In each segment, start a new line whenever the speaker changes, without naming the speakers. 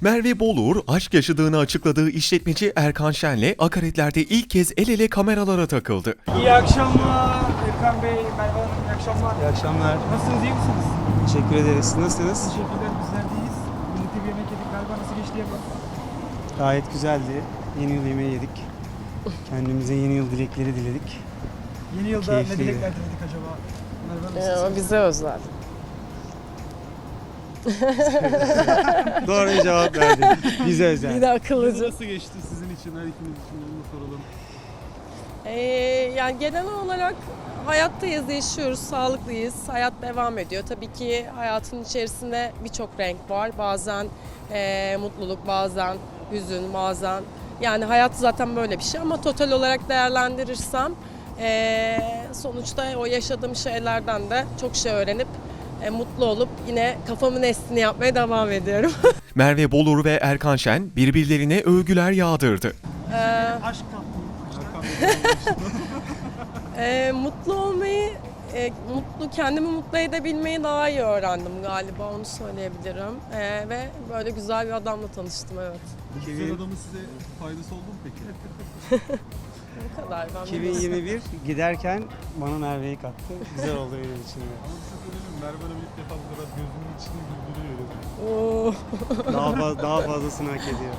Merve Bolur, aşk yaşadığını açıkladığı işletmeci Erkan Şen'le akaretlerde ilk kez el ele kameralara takıldı.
İyi akşamlar Erkan Bey, Merve Hanım, iyi akşamlar.
İyi akşamlar.
Nasılsınız, iyi misiniz?
Teşekkür ederiz. Siz nasılsınız?
Teşekkürler, bizler deyiz. Birlikte bir yemek yedik galiba, nasıl geçti yapalım?
Gayet güzeldi. Yeni yıl yemeği yedik. Kendimize yeni yıl dilekleri diledik.
Yeni yılda
Keyifliydi.
ne dilekler diledik acaba? Merve Hanım, siz?
Bize özel.
Doğru bir cevap verdin. Bize özel.
Bir de akıllıca.
Nasıl geçti sizin için, her ikiniz için onu soralım.
Yani genel olarak hayattayız, yaşıyoruz, sağlıklıyız. Hayat devam ediyor. Tabii ki hayatın içerisinde birçok renk var. Bazen mutluluk, bazen hüzün, bazen... Yani hayat zaten böyle bir şey ama total olarak değerlendirirsem sonuçta o yaşadığım şeylerden de çok şey öğrenip mutlu olup yine kafamın estiğini yapmaya devam ediyorum.
Merve Bolur ve Erkan Şen birbirlerine övgüler yağdırdı.
Aşk kaplı.
Mutlu olmayı, kendimi mutlu edebilmeyi daha iyi öğrendim galiba, onu söyleyebilirim. Ve böyle güzel bir adamla tanıştım, evet.
Bu güzel adamın size faydası oldu mu peki?
Bu kadar. Ben
2021 giderken bana Merve'yi kattı. Güzel oldu benim için.
Ama bir şey söyleyeyim mi? Merve Hanım ilk defa bu kadar gözümün içini güldürüyor.
Oo.
Daha fazlasını hak ediyor.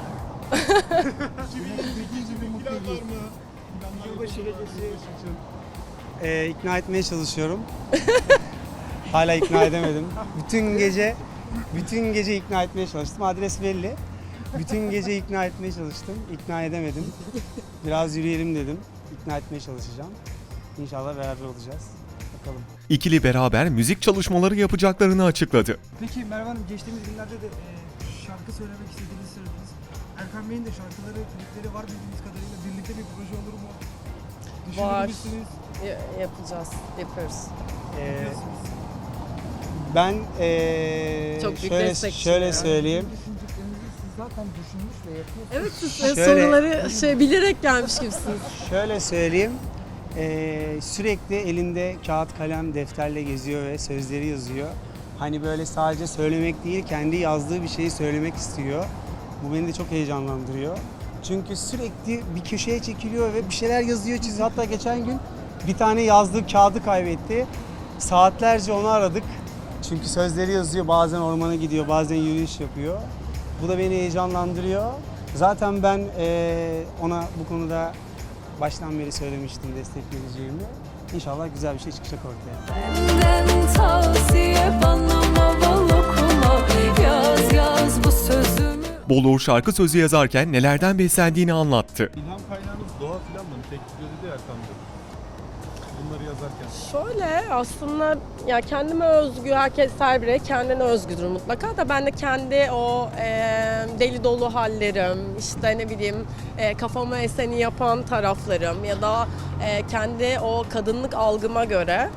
2022 bir mutlu var mı?
Yılbaşı gecesi.
İkna etmeye çalışıyorum. Hala ikna edemedim. Bütün gece ikna etmeye çalıştım. Adres belli. Bütün gece ikna etmeye çalıştım. İkna edemedim. Biraz yürüyelim dedim. İkna etmeye çalışacağım. İnşallah beraber olacağız. Bakalım.
İkili beraber müzik çalışmaları yapacaklarını açıkladı.
Peki Merve Hanım, geçtiğimiz günlerde de şarkı söylemek istediğinizi söylediniz. Erkan Bey'in de şarkıları, klipleri var bildiğiniz kadarıyla. Birlikte bir proje olur mu?
Var.
Düşünür müsünüz?
Yapacağız, yapıyoruz.
Yapıyorsunuz.
Ben
Çok büyük destekçiyim
şöyle
yani.
söyleyeyim.
Düşündüklerinizi siz zaten düşünmüş ve yapıyorsunuz.
Evet, siz
Şöyle-
soruları bilerek gelmiş gibisiniz.
Şöyle söyleyeyim. Sürekli elinde kağıt, kalem, defterle geziyor ve sözleri yazıyor. Hani böyle sadece söylemek değil, kendi yazdığı bir şeyi söylemek istiyor. Bu beni de çok heyecanlandırıyor. Çünkü sürekli bir köşeye çekiliyor ve bir şeyler yazıyor, çiziyor. Hatta geçen gün bir tane yazdığı kağıdı kaybetti. Saatlerce onu aradık. Çünkü sözleri yazıyor, bazen ormana gidiyor, bazen yürüyüş yapıyor. Bu da beni heyecanlandırıyor. Zaten ben ona bu konuda baştan beri söylemiştim destek vereceğimi. İnşallah güzel bir şey çıkacak ortaya.
Benden tavsiye bana maval okuma. Yaz bu sözümü.
Bolur şarkı sözü yazarken nelerden beslendiğini anlattı.
İlham kaynağınız doğa falan mı? Tek dedi Erkan Bey. Bunları yazarken.
Şöyle aslında ya kendime özgü, herkes her birey kendine özgüdür mutlaka da ben de kendi o deli dolu hallerim, işte ne bileyim kafama eseni yapan taraflarım ya da kendi o kadınlık algıma göre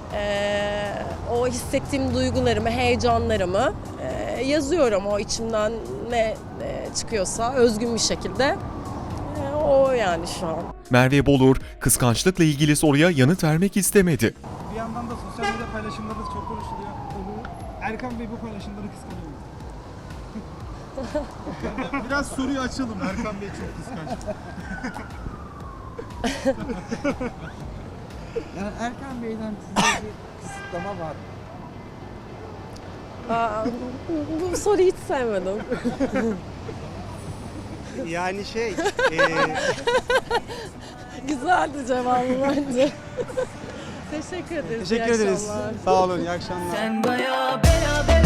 o hissettiğim duygularımı, heyecanlarımı yazıyorum, o içimden ne çıkıyorsa özgün bir şekilde. O yani şu an.
Merve Bolur, kıskançlıkla ilgili soruya yanıt vermek istemedi.
Bir yandan da sosyal medya paylaşımları da çok konuşuluyor. Erkan Bey bu paylaşımları kıskanıyor mu?
Biraz soruyu açalım. Erkan Bey çok kıskanç.
Yani Erkan Bey'den size bir kısıtlama var mı?
Bu soruyu hiç sevmedim.
Yani
Güzeldi cevabı bence. Teşekkür ederiz.
teşekkür
İyi
ederiz.
akşamlar.
Sağ olun, iyi akşamlar.
Sen bayağı beraber